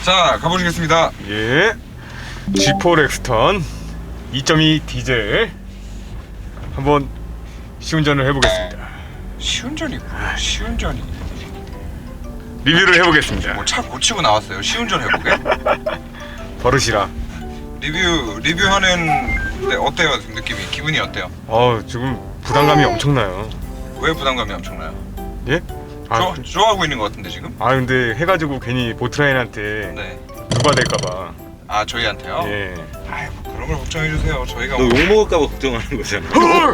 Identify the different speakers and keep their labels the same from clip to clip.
Speaker 1: 자, 가보시겠습니다.
Speaker 2: 예. G4 렉스턴 2.2 디젤 한번 시운전을 해보겠습니다.
Speaker 1: 시운전이 뭐야? 시운전이
Speaker 2: 리뷰를 해보겠습니다.
Speaker 1: 뭐 차 고치고 나왔어요. 시운전 해보게?
Speaker 2: 버릇이라.
Speaker 1: 리뷰하는데 어때요? 느낌이 기분이 어때요?
Speaker 2: 지금 부담감이 엄청나요.
Speaker 1: 왜 부담감이 엄청나요?
Speaker 2: 예?
Speaker 1: 좋아하고 있는 것 같은데 지금?
Speaker 2: 근데 해가지고 괜히 보트라인한테
Speaker 1: 네.
Speaker 2: 누가 될까봐.
Speaker 1: 아, 저희한테요?
Speaker 2: 예.
Speaker 1: 아이, 뭐 그런 걸 걱정해 주세요. 저희가
Speaker 3: 너 욕먹을까봐 걱정하는 거잖아.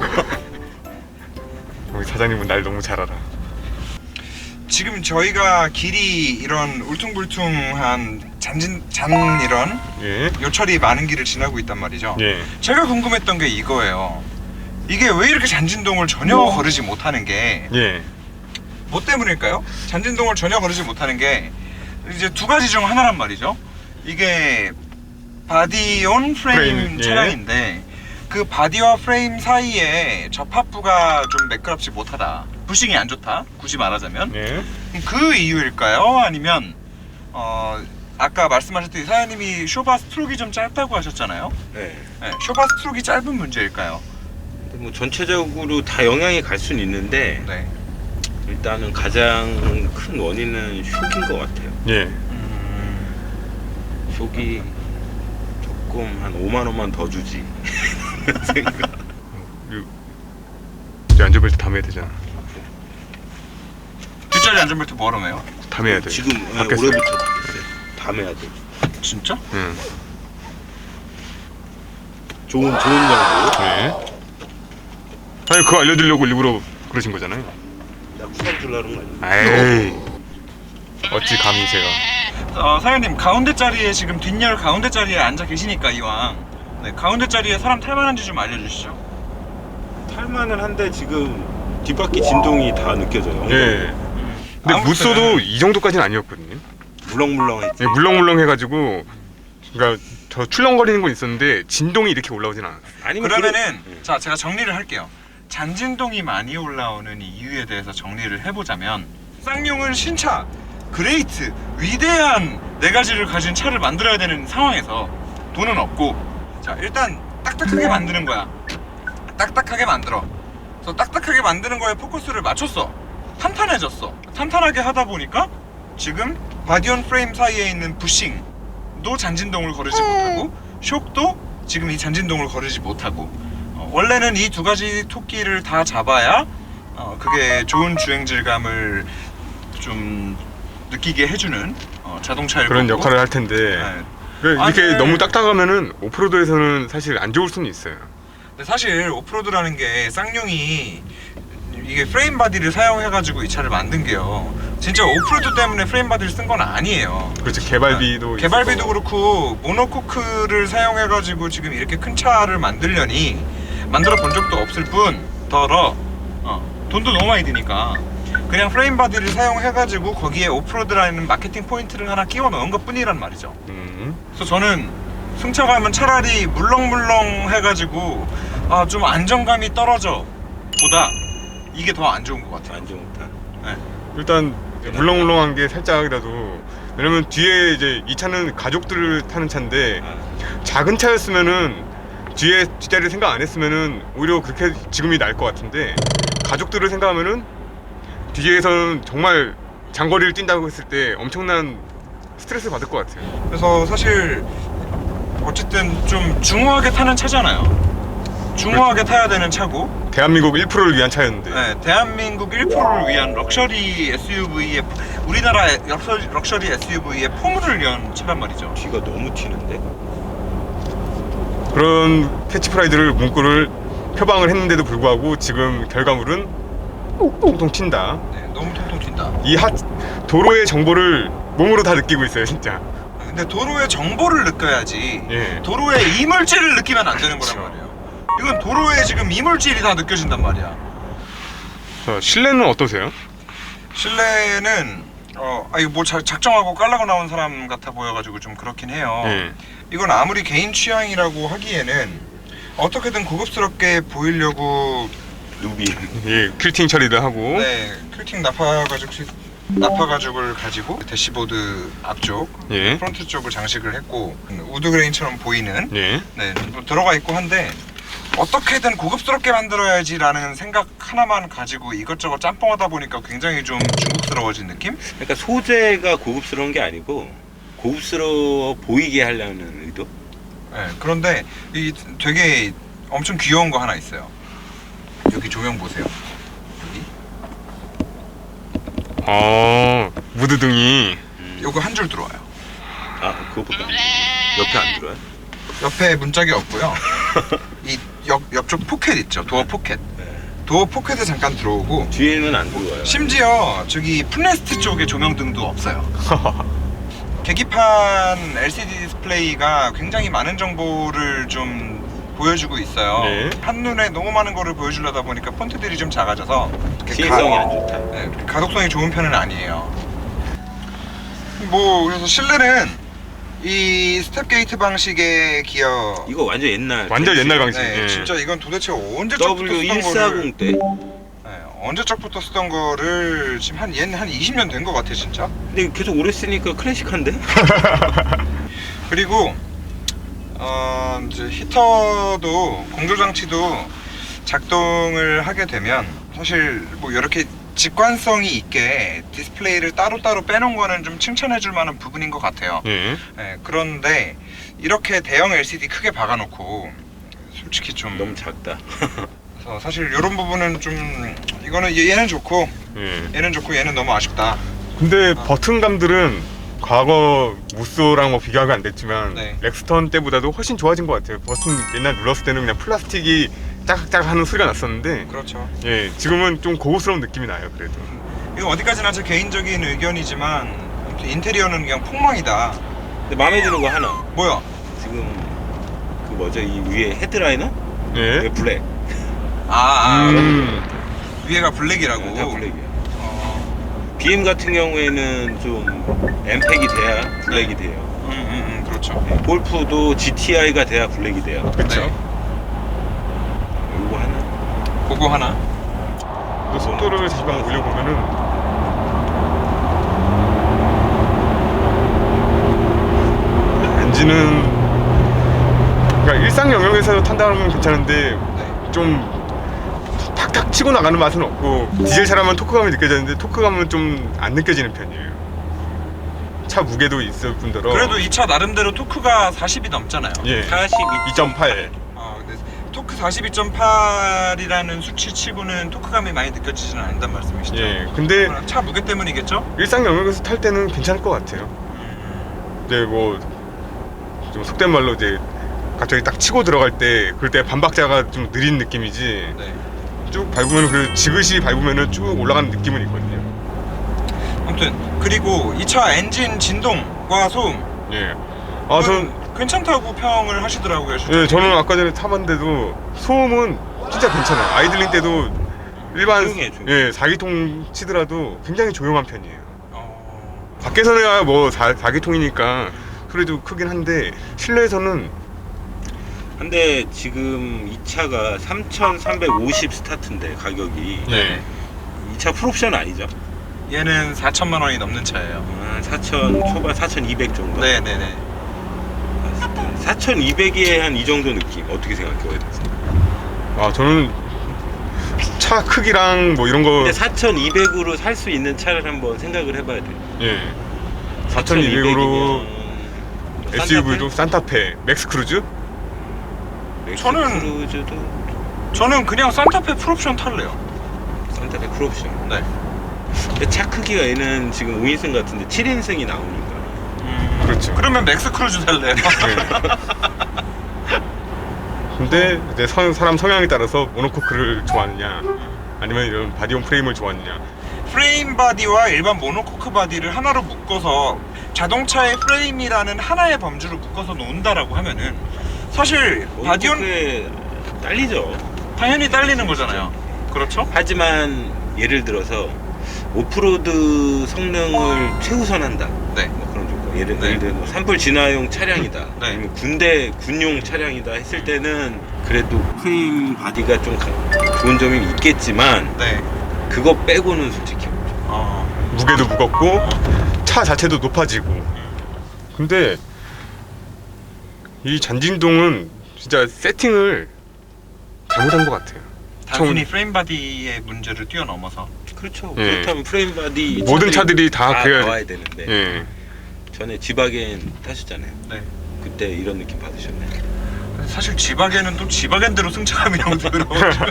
Speaker 2: 우리 사장님은 날 너무 잘 알아.
Speaker 1: 지금 저희가 길이 이런 울퉁불퉁한 잔 이런
Speaker 2: 예.
Speaker 1: 요철이 많은 길을 지나고 있단 말이죠.
Speaker 2: 예.
Speaker 1: 제가 궁금했던 게 이거예요. 이게 왜 이렇게 잔진동을 전혀 거르지 못하는 게
Speaker 2: 예.
Speaker 1: 뭐 때문일까요? 잔진동을 전혀 거르지 못하는 게 이제 두 가지 중 하나란 말이죠. 이게 바디온 프레임
Speaker 2: 예.
Speaker 1: 차량인데 그 바디와 프레임 사이에 접합부가 좀 매끄럽지 못하다, 부싱이 안 좋다, 굳이 말하자면.
Speaker 2: 예.
Speaker 1: 그 이유일까요? 아니면 아까 말씀하셨듯이 사장님이 쇼바 스트로크가 좀 짧다고 하셨잖아요.
Speaker 3: 네.
Speaker 1: 네, 쇼바 스트로크가 짧은 문제일까요?
Speaker 3: 근데 뭐 전체적으로 다 영향이 갈 수는 있는데
Speaker 1: 네.
Speaker 3: 일단은 가장 큰 원인은 쇼크인 것 같아요.
Speaker 2: 예.
Speaker 3: 쇼크 조금 한 5만 원만 더 주지. 생각.
Speaker 2: 이제 안전벨트 담아야 되잖아.
Speaker 1: 뒷자리 안전벨트 뭐하러 매요?
Speaker 2: 담아야 돼.
Speaker 3: 지금
Speaker 2: 바뀌었어요.
Speaker 3: 올해부터 바뀌었어요. 담아야 돼.
Speaker 1: 진짜?
Speaker 2: 응.
Speaker 3: 좋은 정보.
Speaker 2: 예. 아니 그거 알려드리려고 일부러 그러신 거잖아요.
Speaker 3: 나 쿠팡 주려는 거 아니야?
Speaker 2: 에이. 어찌 감히 제가.
Speaker 1: 사장님 가운데 자리에 지금 뒷열 가운데 자리에 앉아 계시니까 이왕 가운데 자리에 사람 탈만한지 좀 알려주시죠.
Speaker 3: 탈만은 한데 지금 뒷바퀴 진동이 다 느껴져요.
Speaker 2: 예. 근데
Speaker 1: 아무튼
Speaker 2: 무쏘도 이 정도까지는 아니었거든요.
Speaker 3: 물렁물렁했지.
Speaker 2: 예, 물렁물렁해가지고 그러니까 저 출렁거리는 건 있었는데 진동이 이렇게 올라오진 않았어요.
Speaker 3: 아니면
Speaker 1: 그러면은 자, 제가 정리를 할게요. 잔진동이 많이 올라오는 이유에 대해서 정리를 해보자면 쌍용은 신차, 그레이트, 위대한 네 가지를 가진 차를 만들어야 되는 상황에서 돈은 없고, 자, 일단 딱딱하게 만드는 거야. 딱딱하게 만들어. 그래서 딱딱하게 만드는 거에 포커스를 맞췄어. 탄탄해졌어. 탄탄하게 하다 보니까 지금 바디온 프레임 사이에 있는 부싱도 잔진동을 거르지 못하고, 쇽도 지금 이 잔진동을 거르지 못하고, 원래는 이 두 가지 토끼를 다 잡아야 그게 좋은 주행 질감을 좀 느끼게 해주는 자동차일
Speaker 2: 그런
Speaker 1: 거고.
Speaker 2: 역할을 할 텐데
Speaker 1: 네.
Speaker 2: 그러니까 이렇게
Speaker 1: 아니,
Speaker 2: 너무 딱딱하면은 오프로드에서는 사실 안 좋을 수는 있어요.
Speaker 1: 근데 사실 오프로드라는 게 쌍용이 이게 프레임 바디를 사용해가지고 이 차를 만든 게요, 진짜 오프로드 때문에 프레임 바디를 쓴 건 아니에요.
Speaker 2: 그렇죠. 개발비도
Speaker 1: 개발비도
Speaker 2: 있었고.
Speaker 1: 그렇고 모노코크를 사용해가지고 지금 이렇게 큰 차를 만들려니 만들어 본 적도 없을 뿐더러 돈도 너무 많이 드니까 그냥 프레임 바디를 사용해가지고 거기에 오프로드라는 마케팅 포인트를 하나 끼워 넣은 것 뿐이란 말이죠. 그래서 저는 승차감은 차라리 물렁물렁 해가지고 좀 안정감이 떨어져 보다 이게 더 안 좋은 것 같아요.
Speaker 3: 안 좋다.
Speaker 1: 네.
Speaker 2: 일단 물렁물렁한 게 살짝이라도, 왜냐면 뒤에 이제 이 차는 가족들을 타는 차인데 작은 차였으면은 뒤에 뒷자리를 생각 안 했으면은 오히려 그렇게 지금이 나을 것 같은데, 가족들을 생각하면은 뒤에서는 정말 장거리를 뛴다고 했을 때 엄청난 스트레스 받을 것 같아요.
Speaker 1: 그래서 사실 어쨌든 좀 중후하게 타는 차잖아요. 중후하게 타야 되는 차고,
Speaker 2: 대한민국 1%를 위한 차였는데.
Speaker 1: 네, 대한민국 1%를 위한 럭셔리 SUV의, 우리나라 럭셔리 SUV의 포물을 위한 차란 말이죠.
Speaker 3: 뒤가 너무 튀는데?
Speaker 2: 그런 캐치프라이드를 문구를 표방을 했는데도 불구하고 지금 결과물은 통통 튄다.
Speaker 1: 네, 너무 통통 튄다.
Speaker 2: 이 도로의 정보를 몸으로 다 느끼고 있어요, 진짜.
Speaker 1: 근데 도로의 정보를 느껴야지.
Speaker 2: 예.
Speaker 1: 도로의 이물질을 느끼면 안 되는 거란
Speaker 2: 그렇죠.
Speaker 1: 말이에요. 이건 도로에 지금 이물질이 다 느껴진단 말이야.
Speaker 2: 자, 실내는 어떠세요?
Speaker 1: 실내는 이거 뭐 작정하고 깔라고 나온 사람 같아 보여가지고 좀 그렇긴 해요.
Speaker 2: 예.
Speaker 1: 이건 아무리 개인 취향이라고 하기에는 어떻게든 고급스럽게 보이려고
Speaker 3: 누비.
Speaker 2: 예, 퀼팅 처리도 하고.
Speaker 1: 네, 큐팅 나파가지고 나파 가죽을 가지고 대시보드 앞쪽,
Speaker 2: 예.
Speaker 1: 프론트 쪽을 장식을 했고 우드 그레인처럼 보이는
Speaker 2: 예.
Speaker 1: 네, 뭐 들어가 있고 한데 어떻게든 고급스럽게 만들어야지라는 생각 하나만 가지고 이것저것 짬뽕하다 보니까 굉장히 좀 중국스러워진 느낌?
Speaker 3: 그러니까 소재가 고급스러운 게 아니고 고급스러워 보이게 하려는 의도?
Speaker 1: 네, 그런데 이 되게 엄청 귀여운 거 하나 있어요. 여기 조명 보세요. 여기
Speaker 2: 무드등이.
Speaker 1: 요거 한 줄 들어와요.
Speaker 3: 아, 그거보다 옆에 안 들어요?
Speaker 1: 옆에 문짝이 없고요. 이 옆쪽 포켓 있죠. 도어 포켓.
Speaker 3: 네.
Speaker 1: 도어 포켓에 잠깐 들어오고
Speaker 3: 뒤에는 안 들어와요.
Speaker 1: 심지어 저기 풋레스트 쪽에 조명등도 없어요. 계기판 LCD 디스플레이가 굉장히 많은 정보를 좀 보여주고 있어요.
Speaker 2: 네.
Speaker 1: 한눈에 너무 많은 거를 보여주려다 보니까 폰트들이 좀 작아져서
Speaker 3: 시인성이 안 좋다.
Speaker 1: 네, 가독성이 좋은 편은 아니에요. 뭐 그래서 실내는 이 스텝 게이트 방식의 기어
Speaker 3: 이거 완전 옛날.
Speaker 2: 완전 옛날 방식.
Speaker 1: 네,
Speaker 2: 예.
Speaker 1: 진짜 이건 도대체 언제적부터 쓰던 거를
Speaker 3: W140 때.
Speaker 1: 네, 언제적부터 쓰던 거를 지금 얘는 한 20년 된 것 같아 진짜.
Speaker 3: 근데 계속 오래 쓰니까 클래식한데?
Speaker 1: 그리고 이제 히터도 공조 장치도 작동을 하게 되면 사실 뭐 이렇게 직관성이 있게 디스플레이를 따로따로 빼놓은 거는 좀 칭찬해줄 만한 부분인 것 같아요.
Speaker 2: 예.
Speaker 1: 네, 그런데 이렇게 대형 LCD 크게 박아놓고 솔직히 좀
Speaker 3: 너무 작다.
Speaker 1: 그래서 사실 이런 부분은 좀 이거는 얘는 좋고
Speaker 2: 예.
Speaker 1: 얘는 좋고 얘는 너무 아쉽다.
Speaker 2: 근데 버튼감들은 과거 무쏘랑 뭐 비교가 안 됐지만
Speaker 1: 네.
Speaker 2: 렉스턴 때보다도 훨씬 좋아진 것 같아요. 버튼 옛날 눌렀을 때는 그냥 플라스틱이 짝짝 하는 소리가 났었는데
Speaker 1: 그렇죠.
Speaker 2: 예, 지금은 좀 고급스러운 느낌이 나요. 그래도.
Speaker 1: 이거 어디까지나 제 개인적인 의견이지만 아무튼 인테리어는 그냥 폭망이다.
Speaker 3: 근데 마음에 드는 거 하나.
Speaker 1: 뭐야?
Speaker 3: 지금 그 뭐죠? 이 위에 헤드라이너?
Speaker 2: 예.
Speaker 3: 이게 블랙.
Speaker 1: 위에가 블랙이라고.
Speaker 3: 다 블랙이야.
Speaker 1: 어,
Speaker 3: BM 같은 경우에는 좀 엠팩이 돼야 블랙이 돼요.
Speaker 1: 그렇죠.
Speaker 3: 골프도 GTI가 돼야 블랙이 돼요.
Speaker 2: 그렇죠.
Speaker 1: 네.
Speaker 3: 이거 하나.
Speaker 1: 그거 하나.
Speaker 2: 또 속도를 다시 한번 올려보면은 엔진은 그러니까 일상 영역에서 탄다면 괜찮은데
Speaker 1: 네.
Speaker 2: 좀 탁탁 치고 나가는 맛은 없고 디젤 차라면 토크감이 느껴지는데 토크감은 좀 안 느껴지는 편이에요. 차 무게도 있을 뿐더러
Speaker 1: 그래도 이 차 나름대로 토크가 40이 넘잖아요.
Speaker 2: 예 2.8
Speaker 1: 근데 토크 42.8이라는 수치치고는 토크감이 많이 느껴지지는 않는단 말씀이시죠?
Speaker 2: 예 근데
Speaker 1: 차 무게 때문이겠죠?
Speaker 2: 일상 영역에서 탈 때는 괜찮을 것 같아요. 이제 뭐 좀 속된 말로 이제 갑자기 딱 치고 들어갈 때 그럴 때 반박자가 좀 느린 느낌이지
Speaker 1: 네.
Speaker 2: 쭉 밟으면 그 지그시 밟으면은 쭉 올라가는 느낌은 있거든요.
Speaker 1: 아무튼 그리고 이 차 엔진 진동과 소음
Speaker 2: 예.
Speaker 1: 전 괜찮다고 평을 하시더라고요.
Speaker 2: 예, 저는 아까 전에 타봤는데도 소음은 진짜 괜찮아요. 아이들링 때도 일반
Speaker 3: 조용해.
Speaker 2: 예 4기통 치더라도 굉장히 조용한 편이에요. 밖에서는 뭐 4기통이니까 소리도 크긴 한데 실내에서는
Speaker 3: 근데 지금 이 차가 3,350 스타트인데 가격이
Speaker 2: 예.
Speaker 3: 이 차 풀옵션 아니죠?
Speaker 1: 얘는 4천만 원이 넘는 차예요.
Speaker 3: 4,000 초반 4,200 정도?
Speaker 1: 네네네.
Speaker 3: 4,200에 한 이 정도 느낌 어떻게 생각해요?
Speaker 2: 아 저는 차 크기랑 뭐 이런 거
Speaker 3: 근데 4,200으로 살 수 있는 차를 한번 생각을 해봐야 돼.
Speaker 2: 예 4,200으로
Speaker 3: 4,200이면
Speaker 2: SUV도 산타페, 맥스크루즈?
Speaker 1: 저는 그냥 산타페 풀옵션 탈래요.
Speaker 3: 산타페 풀옵션.
Speaker 1: 네.
Speaker 3: 근데 차 크기가 얘는 지금 5인승 같은데 7인승이 나오니까.
Speaker 2: 그렇죠.
Speaker 1: 그러면 맥스 크루즈 탈래요.
Speaker 2: 근데 이제 사람 성향에 따라서 모노코크를 좋아하느냐 아니면 이런 바디온 프레임을 좋아하느냐.
Speaker 1: 프레임 바디와 일반 모노코크 바디를 하나로 묶어서 자동차의 프레임이라는 하나의 범주로 묶어서 놓는다라고 하면은 사실 바디온
Speaker 3: 바디온에 딸리죠.
Speaker 1: 당연히 딸리는 거잖아요. 그렇죠?
Speaker 3: 하지만 예를 들어서 오프로드 성능을 최우선한다.
Speaker 1: 네.
Speaker 3: 뭐 그런 조건. 예를
Speaker 1: 네.
Speaker 3: 들어 뭐 산불 진화용 차량이다.
Speaker 1: 네.
Speaker 3: 아니면 군용 차량이다 했을 때는 그래도 프레임 바디가 좀 좋은 점이 있겠지만
Speaker 1: 네.
Speaker 3: 그거 빼고는 솔직히
Speaker 2: 이제 무게도 무겁고 차 자체도 높아지고. 근데 이 잔진동은 진짜 세팅을 잘못한 것 같아요.
Speaker 1: 단순히 프레임 바디의 문제를 뛰어넘어서.
Speaker 3: 그렇죠.
Speaker 2: 예.
Speaker 3: 그렇다면 프레임 바디
Speaker 2: 모든 차들이 다 그래야
Speaker 3: 나와야 되는데.
Speaker 2: 예.
Speaker 3: 전에 지바겐 타셨잖아요.
Speaker 1: 네.
Speaker 3: 그때 이런 느낌 받으셨나요?
Speaker 1: 근데 사실 지바겐은 또 지바겐대로 승차감이라고 들어가지고.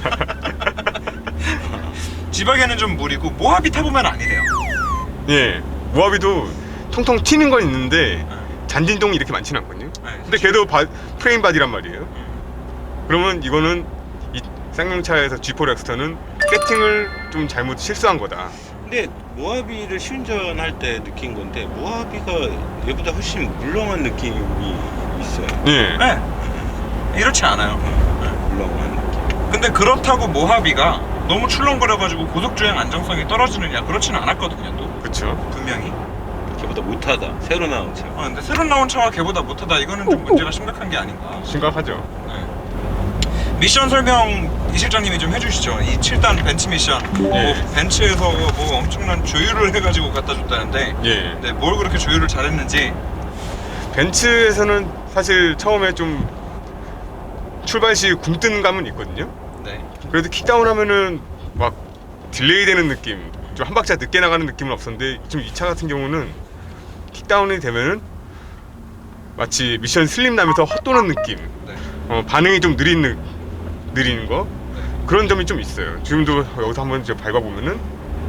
Speaker 1: 지바겐은 좀 무리고 모하비 타보면 아니래요.
Speaker 2: 예. 모하비도 통통 튀는 건 있는데 잔진동이 이렇게 많지는 않거든요.
Speaker 1: 네,
Speaker 2: 근데 걔도 프레임 바디란 말이에요. 그러면 이거는 이 쌍용차에서 G4 렉스터는 세팅을 좀 잘못 실수한 거다.
Speaker 3: 근데 모하비를 시운전할 때 느낀 건데 모하비가 얘보다 훨씬 물렁한 느낌이 있어요.
Speaker 2: 예.
Speaker 1: 네. 이렇지 않아요.
Speaker 3: 물렁한 느낌.
Speaker 1: 근데 그렇다고 모하비가 너무 출렁거려가지고 고속주행 안정성이 떨어지느냐, 그렇지는 않았거든요. 또
Speaker 2: 그렇죠.
Speaker 1: 분명히.
Speaker 3: 걔보다 못하다. 새로 나온 차.
Speaker 1: 근데 새로 나온 차가 걔보다 못하다, 이거는 좀 문제가 심각한 게 아닌가.
Speaker 2: 심각하죠.
Speaker 1: 네. 미션 설명 이 실장님이 좀 해주시죠. 이 7단 벤츠 미션. 뭐 벤츠에서 뭐 엄청난 조율을 해가지고 갖다 줬다는데,
Speaker 2: 예.
Speaker 1: 네, 뭘 그렇게 조율을 잘했는지.
Speaker 2: 벤츠에서는 사실 처음에 좀 출발 시 굼뜬 감은 있거든요.
Speaker 1: 네.
Speaker 2: 그래도 킥다운 하면은 막 딜레이 되는 느낌, 좀 한 박자 늦게 나가는 느낌은 없었는데 지금 이 차 같은 경우는 킥다운이 되면은 마치 미션 슬림 나면서 헛도는 느낌,
Speaker 1: 네.
Speaker 2: 반응이 좀 느린 거, 그런 점이 좀 있어요. 지금도 여기서 한번 이제 밟아보면은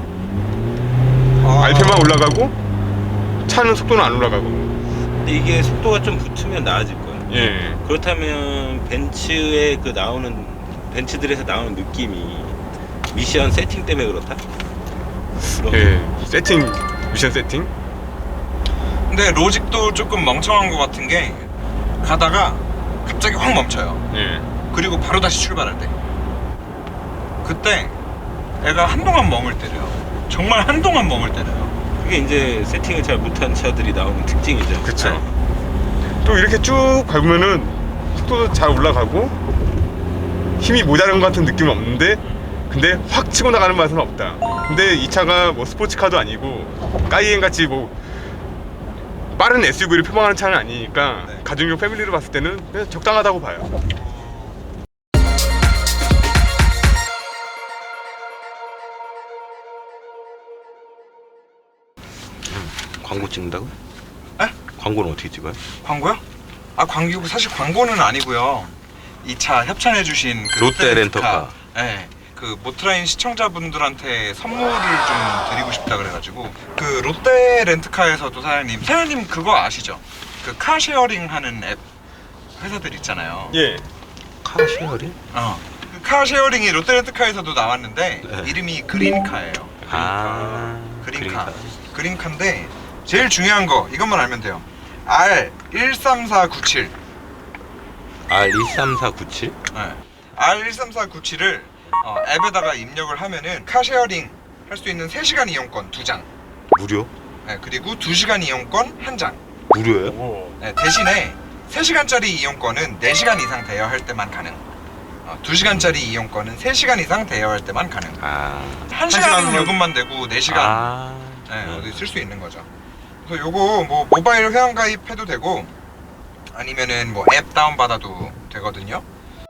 Speaker 2: RPM만 올라가고 차는 속도는 안 올라가고.
Speaker 3: 근데 이게 속도가 좀 붙으면 나아질 거예요.
Speaker 2: 예.
Speaker 3: 그렇다면 벤츠의 그 벤츠들에서 나오는 느낌이 미션 세팅 때문에 그렇다?
Speaker 2: 예. 미션 세팅.
Speaker 1: 근데 로직도 조금 멍청한 것 같은 게, 가다가 갑자기 확 멈춰요.
Speaker 2: 예.
Speaker 1: 그리고 바로 다시 출발할 때, 그때 애가 한동안 멍을 때려요. 정말 한동안 멍을 때려요.
Speaker 3: 그게 이제 세팅을 잘 못한 차들이 나오는 특징이죠.
Speaker 2: 그쵸. 또 이렇게 쭉 밟으면은 속도도 잘 올라가고 힘이 모자란 것 같은 느낌은 없는데, 근데 확 치고 나가는 맛은 없다. 근데 이 차가 뭐 스포츠카도 아니고 까이엔 같이 뭐 빠른 SUV를 표방하는 차는 아니니까
Speaker 1: 네.
Speaker 2: 가정용 패밀리로 봤을 때는 그냥 적당하다고 봐요.
Speaker 3: 광고 찍는다고?
Speaker 1: 에?
Speaker 3: 광고는 어떻게 찍어요?
Speaker 1: 광고요? 광고, 사실 광고는 아니고요. 이 차 협찬해주신 그
Speaker 3: 롯데 렌터카.
Speaker 1: 네, 그 모트라인 시청자분들한테 선물을 좀 드리고 싶다 그래가지고, 그 롯데 렌트카에서도 사장님 그거 아시죠? 그 카쉐어링 하는 앱 회사들 있잖아요.
Speaker 2: 예.
Speaker 3: 카쉐어링?
Speaker 1: 그 카쉐어링이 롯데 렌트카에서도 나왔는데,
Speaker 3: 네.
Speaker 1: 이름이 그린카예요. 그린카. 그린카인데 제일 중요한 거 이것만 알면 돼요. R13497.
Speaker 3: R13497?
Speaker 1: 네. R13497을 앱에다가 입력을 하면은 카쉐어링 할 수 있는 3시간 이용권 2장.
Speaker 3: 무료?
Speaker 1: 네, 그리고 2시간 이용권 1장.
Speaker 3: 무료예요?
Speaker 2: 오.
Speaker 1: 네, 대신에 3시간짜리 이용권은 4시간 이상 대여할 때만 가능. 2시간짜리 이용권은 3시간 이상 대여할 때만 가능. 1시간 요금만 내고 4시간 네, 어디 쓸 수 있는 거죠. 그래서 요거 뭐 모바일 회원 가입해도 되고, 아니면은 뭐 앱 다운 받아도 되거든요.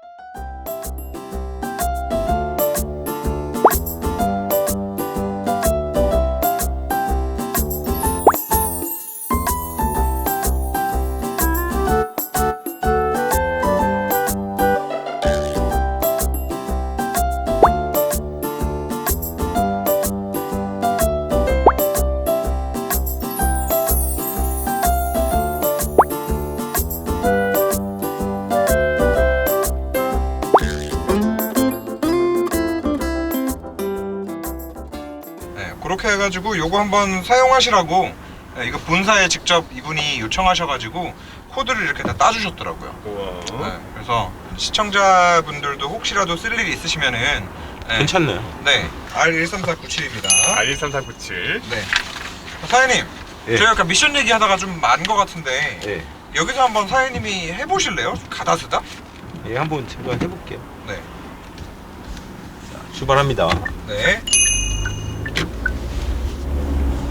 Speaker 1: 그렇게 해가지고 요거 한번 사용하시라고, 이거 본사에 직접 이분이 요청하셔가지고 코드를 이렇게 다 따주셨더라고요.
Speaker 2: 우와.
Speaker 1: 그래서 시청자분들도 혹시라도 쓸 일이 있으시면은
Speaker 3: 괜찮네요.
Speaker 1: 네, R13497입니다.
Speaker 2: R13497.
Speaker 1: 네. 사장님,
Speaker 3: 예.
Speaker 1: 저희 아까 미션 얘기하다가 좀 많은 것 같은데,
Speaker 3: 예.
Speaker 1: 여기서 한번 사장님이 해보실래요? 가다스다?
Speaker 3: 예, 한번 제가 해볼게요.
Speaker 1: 네.
Speaker 3: 자, 출발합니다.
Speaker 1: 네.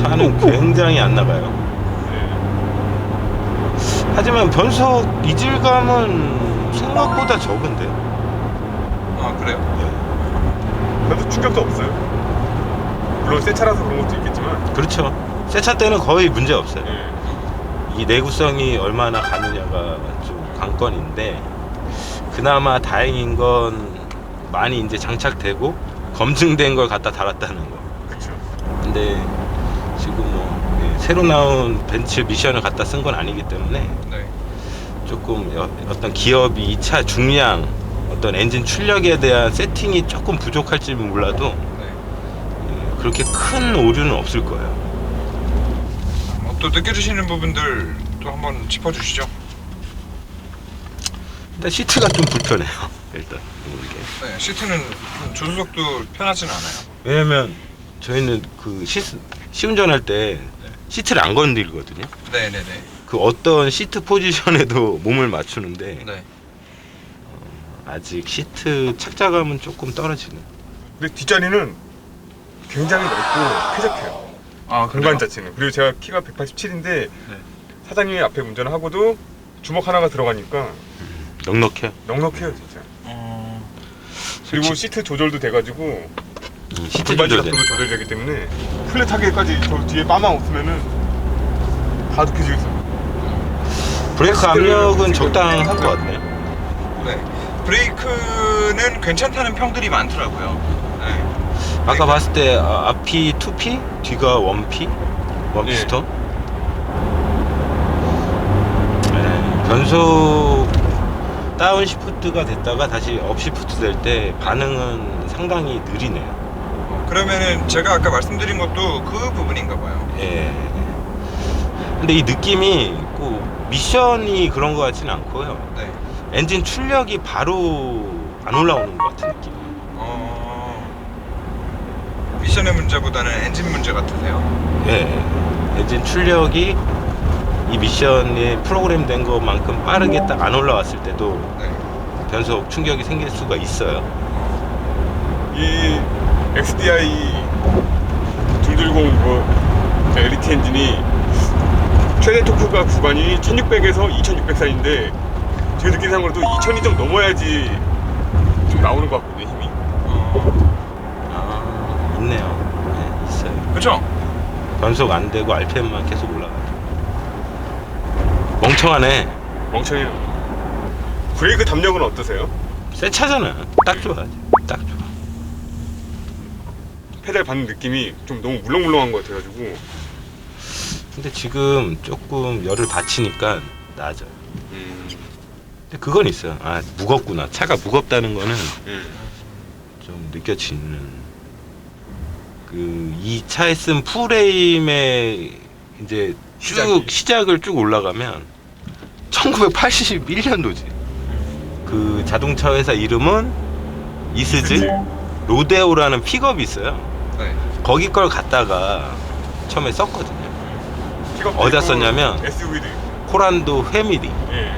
Speaker 3: 차는 굉장히 안 나가요. 하지만 변속 이질감은 생각보다 적은데.
Speaker 1: 아 그래요?
Speaker 2: 그래도 충격도 없어요. 물론 새 차라서 그런 것도 있겠지만.
Speaker 3: 그렇죠. 새 차 때는 거의 문제 없어요.
Speaker 2: 예.
Speaker 3: 이 내구성이 얼마나 가느냐가 좀 관건인데, 그나마 다행인 건 많이 이제 장착되고 검증된 걸 갖다 달았다는 거.
Speaker 2: 그렇죠.
Speaker 3: 근데 지금 뭐 새로 나온 벤츠 미션을 갖다 쓴 건 아니기 때문에
Speaker 1: 네.
Speaker 3: 조금 어떤 기업이 이 차 중량, 어떤 엔진 출력에 대한 세팅이 조금 부족할지 몰라도
Speaker 1: 네.
Speaker 3: 그렇게 큰 오류는 없을 거예요.
Speaker 1: 또 느껴지시는 부분들 또 한번 짚어주시죠.
Speaker 3: 일단 시트가 좀 불편해요. 일단 이게.
Speaker 1: 네, 시트는 조수석도 편하진 않아요.
Speaker 3: 왜냐면 저희는 그 시운전할 때 시트를 안 건들거든요.
Speaker 1: 네네네.
Speaker 3: 그 어떤 시트 포지션에도 몸을 맞추는데
Speaker 1: 네.
Speaker 3: 아직 시트 착자감은 조금 떨어지는.
Speaker 2: 근데 뒷자리는 굉장히 넓고 쾌적해요.
Speaker 1: 아
Speaker 2: 공간 자체는. 그리고 제가 키가 187인데 사장님이 앞에 운전을 하고도 주먹 하나가 들어가니까
Speaker 3: 넉넉해요.
Speaker 2: 넉넉해요 진짜. 그리고
Speaker 3: 솔직히-
Speaker 2: 시트 조절도 돼가지고
Speaker 3: 시트
Speaker 2: 골반
Speaker 3: 조절돼.
Speaker 2: 각도도 조절되기 때문에 플랫하게까지 저 뒤에 빠만 없으면은 다 느껴지고 있어요.
Speaker 3: 브레이크 압력은 적당한 것 같네요.
Speaker 1: 네. 브레이크는 괜찮다는 평들이 많더라고요. 네.
Speaker 3: 아까 봤을 때 앞이 2P, 뒤가 1P, 원피스톤. 변속 다운 시프트가 됐다가 다시 업 시프트 될 때 반응은 상당히 느리네요.
Speaker 1: 그러면은 제가 아까 말씀드린 것도 그 부분인가 봐요.
Speaker 3: 예. 근데 이 느낌이 꼭 미션이 그런 것 같지는 않고요.
Speaker 1: 네.
Speaker 3: 엔진 출력이 바로 안 올라오는 것 같은 느낌.
Speaker 1: 미션의 문제보다는 엔진 문제 같으세요?
Speaker 3: 예. 엔진 출력이 이 미션에 프로그램된 것만큼 빠르게 딱 안 올라왔을 때도
Speaker 1: 네.
Speaker 3: 변속 충격이 생길 수가 있어요.
Speaker 2: 이 XDI 210 엘리트 엔진이 최대 토크가 구간이 1600에서 2600 사이인데 제 느낌상으로도 2000이 좀 넘어야지 좀 나오는 것 같거든요 힘이.
Speaker 3: 아, 있네요. 네, 있어요.
Speaker 1: 그렇죠?
Speaker 3: 변속 안 되고 RPM만 계속 올라가요. 멍청하네.
Speaker 2: 멍청해요. 브레이크 담력은 어떠세요?
Speaker 3: 새 차잖아. 딱 좋아. 딱 좋아.
Speaker 2: 페달 받는 느낌이 좀 너무 물렁물렁한 것 같아가지고.
Speaker 3: 근데 지금 조금 열을 받치니까 나아져요. 근데 그건 있어요. 아, 무겁구나. 차가 무겁다는 거는 좀 느껴지는. 그 이 차에 쓴 풀에임의 이제 쭉 시작을 쭉 올라가면 1981년도지. 그 자동차 회사 이름은 이스즈 로데오라는 픽업이 있어요.
Speaker 1: 네.
Speaker 3: 거기 걸 갖다가 처음에 썼거든요.
Speaker 2: 픽업도
Speaker 3: 어디다
Speaker 2: 있고
Speaker 3: 썼냐면
Speaker 2: SUV도 있고.
Speaker 3: 코란도 회밀이.
Speaker 2: 예.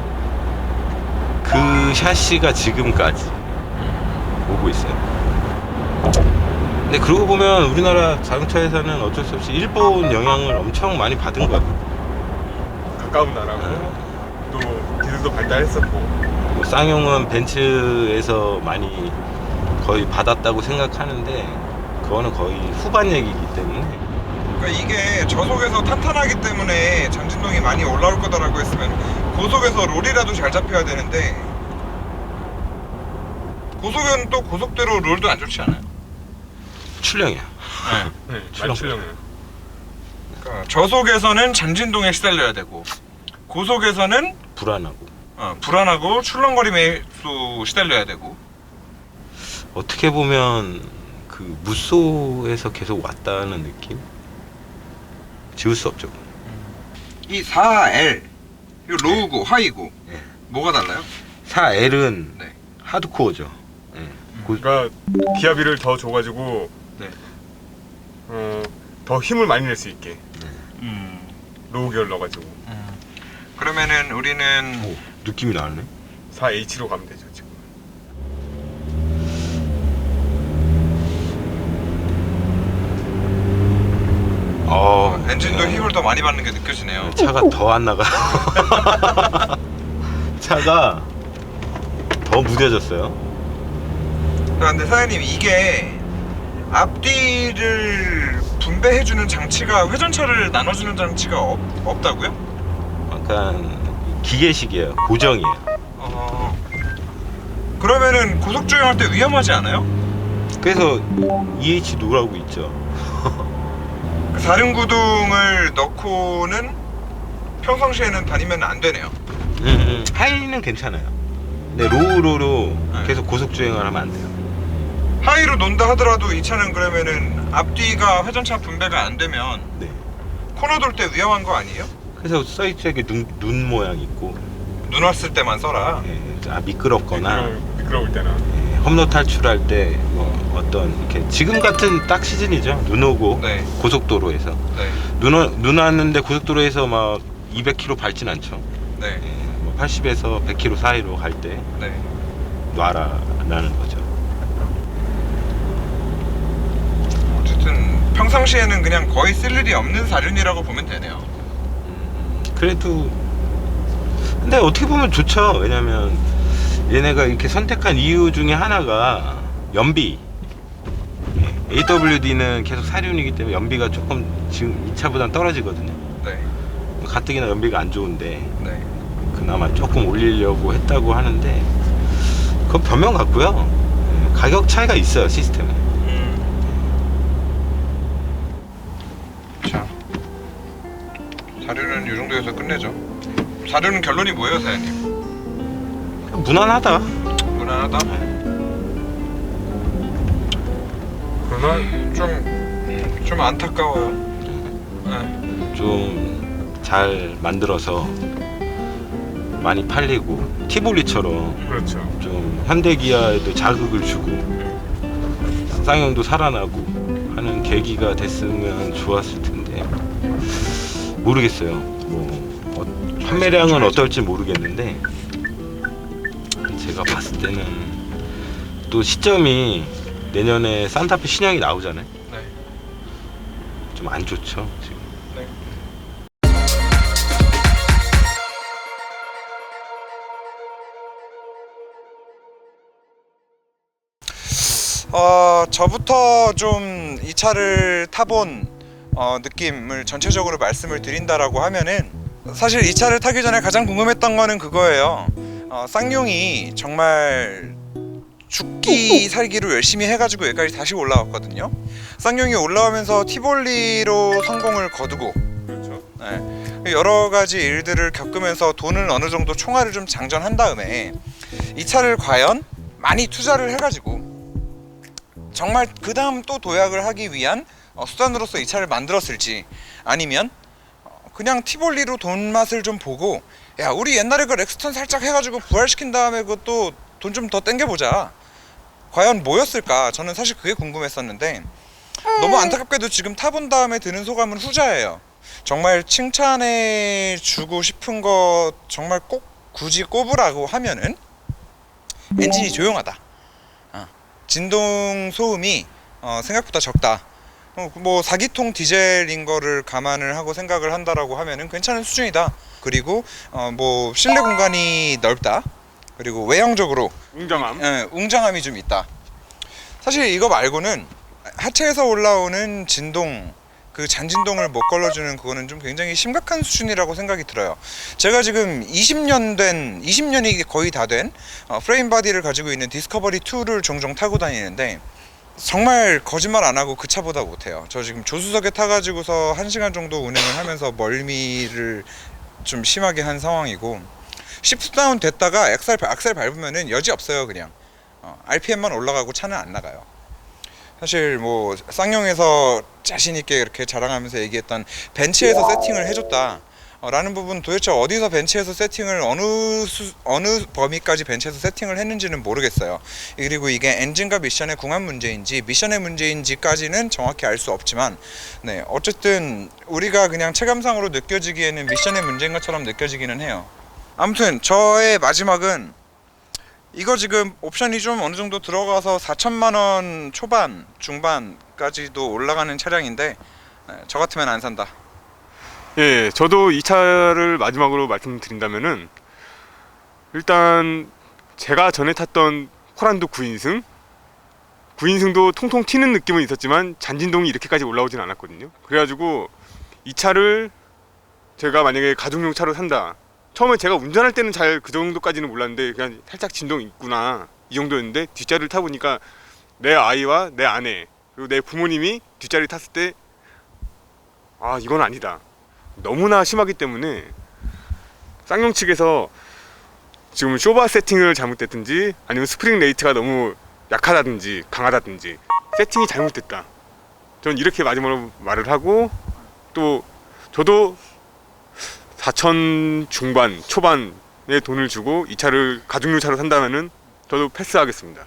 Speaker 3: 그 샤시가 지금까지 오고 있어요. 근데 그러고 보면 우리나라 자동차 회사는 어쩔 수 없이 일본 영향을 엄청 많이 받은 것 같아요.
Speaker 2: 가까운 나라고 또 기술도 발달했었고.
Speaker 3: 뭐 쌍용은 벤츠에서 많이 거의 받았다고 생각하는데 그거는 거의 후반 얘기이기 때문에.
Speaker 1: 그러니까 이게 저속에서 탄탄하기 때문에 장진동이 많이 올라올 거다라고 했으면 고속에서 롤이라도 잘 잡혀야 되는데 고속은 또 고속대로 롤도 안 좋지 않아요?
Speaker 3: 출렁이야.
Speaker 2: 네,
Speaker 3: 출렁.
Speaker 2: 많이 출렁해요.
Speaker 1: 그러니까 저속에서는 장진동에 시달려야 되고 고속에서는
Speaker 3: 불안하고.
Speaker 1: 불안하고 출렁거림에도 시달려야 되고.
Speaker 3: 어떻게 보면 그 무쏘에서 계속 왔다는 느낌? 지울 수 없죠.
Speaker 1: 이 4L 이 로우고 하이고
Speaker 3: 네.
Speaker 1: 뭐가 달라요?
Speaker 3: 4L은
Speaker 1: 네.
Speaker 3: 하드코어죠. 네.
Speaker 2: 그러니까 기압비를 더 줘가지고
Speaker 1: 네.
Speaker 2: 더 힘을 많이 낼 수 있게 로우 기어를 넣어가지고
Speaker 1: 그러면은 우리는
Speaker 3: 오, 느낌이 나네.
Speaker 2: 4H로 가면 되죠 지금.
Speaker 1: 엔진도 힘을 더 많이 받는 게 느껴지네요.
Speaker 3: 차가 더 안 나가. 차가 더 무뎌졌어요.
Speaker 1: 그런데 사장님, 이게 앞뒤를 분배해주는 장치가, 회전차를 나눠주는 장치가 없다고요?
Speaker 3: 약간 기계식이에요. 고정이에요.
Speaker 1: 그러면은 고속주행할 때 위험하지 않아요?
Speaker 3: 그래서 EH 노라고 있죠.
Speaker 1: 그 사륜구동을 넣고는 평상시에는 다니면 안 되네요.
Speaker 3: 하이는 괜찮아요. 근데 로우로
Speaker 1: 네.
Speaker 3: 계속 고속 주행을 하면 안 돼요.
Speaker 1: 하이로 논다 하더라도 이 차는 그러면은 앞뒤가 회전차 분배가 안 되면
Speaker 3: 네.
Speaker 1: 코너 돌 때 위험한 거 아니에요?
Speaker 3: 그래서 써있죠. 이렇게 눈 모양 있고.
Speaker 1: 눈 왔을 때만 써라.
Speaker 3: 미끄럽거나
Speaker 2: 미끄러울 때나.
Speaker 3: 험로 탈출할 때 어떤 이렇게 지금 같은 딱 시즌이죠. 눈 오고
Speaker 1: 네.
Speaker 3: 고속도로에서
Speaker 1: 네.
Speaker 3: 눈 왔는데 고속도로에서 막 200km 밟진 않죠.
Speaker 1: 네.
Speaker 3: 80에서 100km 사이로 갈 때
Speaker 1: 네.
Speaker 3: 놔라라는 거죠.
Speaker 1: 어쨌든 평상시에는 그냥 거의 쓸 일이 없는 사륜이라고 보면 되네요.
Speaker 3: 그래도 근데 어떻게 보면 좋죠. 왜냐면 얘네가 이렇게 선택한 이유 중에 하나가 연비. AWD는 계속 사륜이기 때문에 연비가 조금 지금 이 차보다는 떨어지거든요.
Speaker 1: 네.
Speaker 3: 가뜩이나 연비가 안 좋은데
Speaker 1: 네.
Speaker 3: 그나마 조금 올리려고 했다고 하는데 그건 변명 같고요. 가격 차이가 있어요, 시스템에.
Speaker 1: 자, 사륜은 이 정도에서 끝내죠. 사륜은 결론이 뭐예요, 사장님?
Speaker 3: 무난하다.
Speaker 1: 무난하다?
Speaker 2: 그러나
Speaker 1: 좀 안타까워요. 네.
Speaker 3: 좀 잘 만들어서 많이 팔리고 티볼리처럼
Speaker 2: 그렇죠.
Speaker 3: 좀 현대기아에도 자극을 주고 쌍용도 살아나고 하는 계기가 됐으면 좋았을 텐데 모르겠어요. 뭐 판매량은 어떨지 모르겠는데 제가 봤을 때는 또 시점이 내년에 산타페 신형이 나오잖아요.
Speaker 1: 네.
Speaker 3: 좀 안 좋죠 지금.
Speaker 1: 네. 저부터 좀 이 차를 타본 느낌을 전체적으로 말씀을 드린다라고 하면은, 사실 이 차를 타기 전에 가장 궁금했던 거는 그거예요. 쌍용이 정말 죽기 살기로 열심히 해가지고 여기까지 다시 올라왔거든요. 쌍용이 올라오면서 티볼리로 성공을 거두고,
Speaker 2: 그렇죠.
Speaker 1: 네, 여러 가지 일들을 겪으면서 돈을 어느 정도 총알을 좀 장전한 다음에 이 차를 과연 많이 투자를 해가지고 정말 그 다음 또 도약을 하기 위한 수단으로서 이 차를 만들었을지, 아니면 그냥 티볼리로 돈 맛을 좀 보고, 야 우리 옛날에 그 렉스턴 살짝 해가지고 부활시킨 다음에 그것도 돈 좀 더 땡겨보자, 과연 뭐였을까? 저는 사실 그게 궁금했었는데, 너무 안타깝게도 지금 타본 다음에 드는 소감은 후자예요. 정말 칭찬해 주고 싶은 거 정말 꼭 굳이 꼽으라고 하면은 엔진이 조용하다, 진동 소음이 생각보다 적다, 뭐 4기통 디젤인 거를 감안을 하고 생각을 한다라고 하면은 괜찮은 수준이다. 그리고 뭐 실내 공간이 넓다. 그리고 외형적으로
Speaker 2: 웅장함.
Speaker 1: 웅장함이 좀 있다. 사실 이거 말고는 하체에서 올라오는 진동, 그 잔진동을 못 걸러주는 그거는 좀 굉장히 심각한 수준이라고 생각이 들어요. 제가 지금 20년이 거의 다 된 프레임 바디를 가지고 있는 디스커버리 2를 종종 타고 다니는데, 정말 거짓말 안 하고 그 차보다 못해요. 저 지금 조수석에 타가지고서 1시간 정도 운행을 하면서 멀미를 좀 심하게 한 상황이고, 시프트 다운 됐다가 악셀 밟으면은 여지 없어요. 그냥 RPM만 올라가고 차는 안 나가요. 사실 뭐 쌍용에서 자신 있게 이렇게 자랑하면서 얘기했던 벤츠에서 세팅을 해줬다 라는 부분, 도대체 어디서 벤츠에서 세팅을 어느 범위까지 벤츠에서 세팅을 했는지는 모르겠어요. 그리고 이게 엔진과 미션의 궁합 문제인지 미션의 문제인지까지는 정확히 알 수 없지만, 네, 어쨌든 우리가 그냥 체감상으로 느껴지기에는 미션의 문제인 것처럼 느껴지기는 해요. 아무튼 저의 마지막은, 이거 지금 옵션이 좀 어느 정도 들어가서 4천만 원 초반 중반까지도 올라가는 차량인데, 저 같으면 안 산다.
Speaker 2: 예, 저도 이 차를 마지막으로 말씀드린다면은 일단 제가 전에 탔던 호란도 9인승도 통통 튀는 느낌은 있었지만 잔진동이 이렇게까지 올라오진 않았거든요. 그래가지고 이 차를 제가 만약에 가족용 차로 산다. 처음에 제가 운전할 때는 잘 그 정도까지는 몰랐는데 그냥 살짝 진동이 있구나 이 정도였는데 뒷자리를 타보니까 내 아이와 내 아내 그리고 내 부모님이 뒷자리 탔을 때 아 이건 아니다. 너무나 심하기 때문에 쌍용 측에서 지금 쇼바 세팅을 잘못됐든지 아니면 스프링 레이트가 너무 약하다든지 강하다든지 세팅이 잘못됐다. 전 이렇게 마지막으로 말을 하고 또 저도 4천 중반 초반의 돈을 주고 이 차를 가족용 차로 산다면은 저도 패스하겠습니다.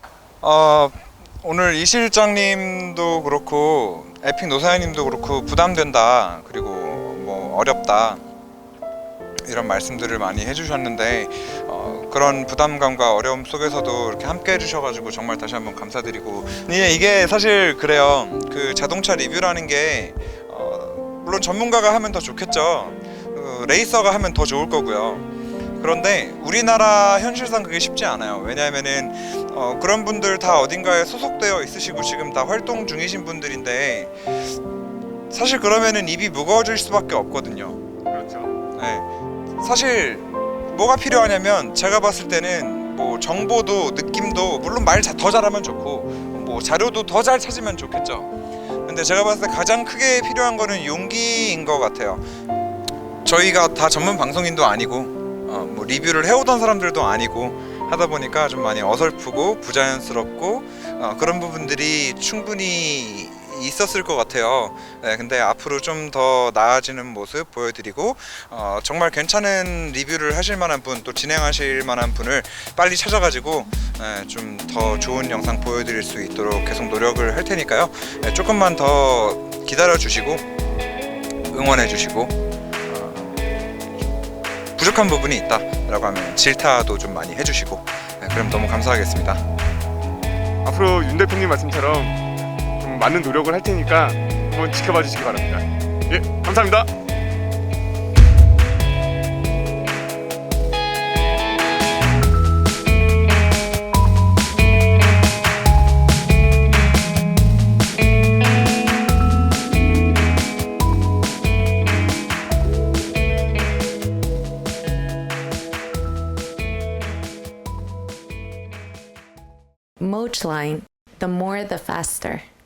Speaker 1: 오늘 이 실장님도 그렇고 에픽 노사장님도 그렇고 부담된다 그리고 뭐 어렵다 이런 말씀들을 많이 해주셨는데 그런 부담감과 어려움 속에서도 이렇게 함께 해주셔가지고 정말 다시 한번 감사드리고 이게 사실 그래요. 그 자동차 리뷰라는 게 물론 전문가가 하면 더 좋겠죠. 레이서가 하면 더 좋을 거고요. 그런데 우리나라 현실상 그게 쉽지 않아요. 왜냐하면은 그런 분들 다 어딘가에 소속되어 있으시고 지금 다 활동 중이신 분들인데 사실 그러면은 입이 무거워질 수밖에 없거든요.
Speaker 2: 그렇죠.
Speaker 1: 네. 사실 뭐가 필요하냐면 제가 봤을 때는 뭐 정보도 느낌도 물론 말 더 잘하면 좋고 뭐 자료도 더 잘 찾으면 좋겠죠. 근데 제가 봤을 때 가장 크게 필요한 거는 용기인 것 같아요. 저희가 다 전문 방송인도 아니고 뭐 리뷰를 해오던 사람들도 아니고 하다 보니까 좀 많이 어설프고 부자연스럽고 그런 부분들이 충분히 있었을 것 같아요. 네, 근데 앞으로 좀 더 나아지는 모습 보여드리고 정말 괜찮은 리뷰를 하실 만한 분 또 진행하실 만한 분을 빨리 찾아가지고 좀 더 좋은 영상 보여드릴 수 있도록 계속 노력을 할 테니까요. 조금만 더 기다려 주시고 응원해 주시고 부족한 부분이 있다 라고 하면 질타도 좀 많이 해주시고 그럼 너무 감사하겠습니다.
Speaker 2: 앞으로 윤 대표님 말씀처럼 좀 많은 노력을 할 테니까 한번 지켜봐 주시기 바랍니다. 예, 감사합니다.
Speaker 4: Mochline, the more the faster.